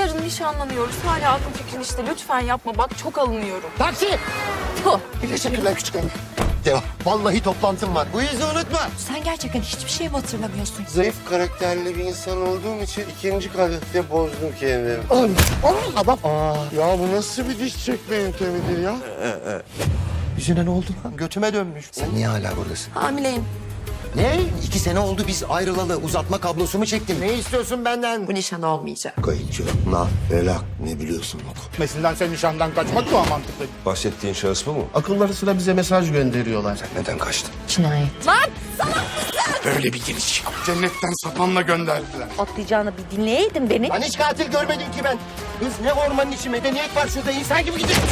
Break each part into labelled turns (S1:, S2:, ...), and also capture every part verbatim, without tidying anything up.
S1: Yarın nişanlanıyoruz. Hala aklım fikrin işte. Lütfen yapma. Bak çok alınıyorum.
S2: Taksi!
S1: Tuh.
S2: Teşekkürler küçük hanım. Devam. Vallahi toplantım var. Bu yüzü unutma.
S3: Sen gerçekten hiçbir şey mi hatırlamıyorsun?
S4: Zayıf karakterli bir insan olduğum için ikinci kadehte bozdum kendimi.
S2: Oğlum, adam.
S4: Aa, ya bu nasıl bir diş çekme yöntemidir ya?
S2: Yüzüne ne oldu lan? Götüme dönmüş. Sen niye hala buradasın?
S3: Hamileyim.
S2: Ne? İki sene oldu biz ayrılalı. Uzatma kablosu mu çektin? Ne istiyorsun benden?
S3: Bu nişan olmayacak.
S4: Kayıtçı, nah, felak ne biliyorsun bak.
S5: Mesela sen nişandan kaçmak mı mantıklı?
S6: Bahsettiğin şahıs bu mu?
S4: Akılları sıra bize mesaj gönderiyorlar.
S2: Neden kaçtın?
S3: Cinayet.
S5: Böyle bir giriş. Cennetten sapanla gönderdiler.
S3: Atlayacağını bir dinleyeydin beni.
S2: Ben hiç katil görmedim ki ben. Kız ne ormanın içi medeniyet var şurada insan gibi gidiyor.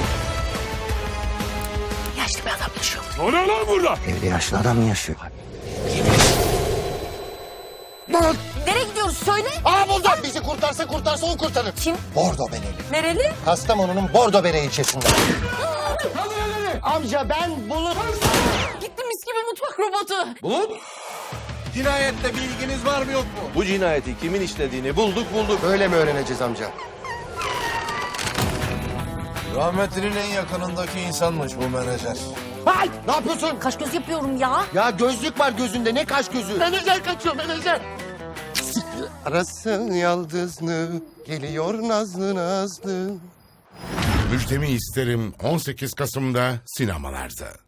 S3: Yaşlı bir adam yaşıyor.
S5: Ne oluyor lan burada?
S2: Evde yaşlı adam mı yaşıyor?
S3: Nereye gidiyoruz söyle.
S2: Aa buldum. Bizi kurtarsa kurtarsa o kurtarır.
S3: Kim?
S2: Bordo Bereli.
S3: Nereli?
S2: Kastamonu'nun Bordo Bere ilçesinde. Amca ben bulup...
S3: Gitti mis gibi mutfak robotu.
S6: Bulut! Cinayette bir ilginiz var mı yok mu? Bu cinayeti kimin işlediğini bulduk bulduk.
S2: Öyle mi öğreneceğiz amca?
S6: Rahmetlinin en yakınındaki insanmış bu menajer.
S2: Hay! Ne yapıyorsun?
S3: Kaş göz yapıyorum ya.
S2: Ya gözlük var gözünde. Ne kaş gözü? Menajer kaçıyor menajer. Arasın yaldızlı, geliyor nazlı nazlı.
S5: Müjdemi isterim on sekiz Kasım'da sinemalarda.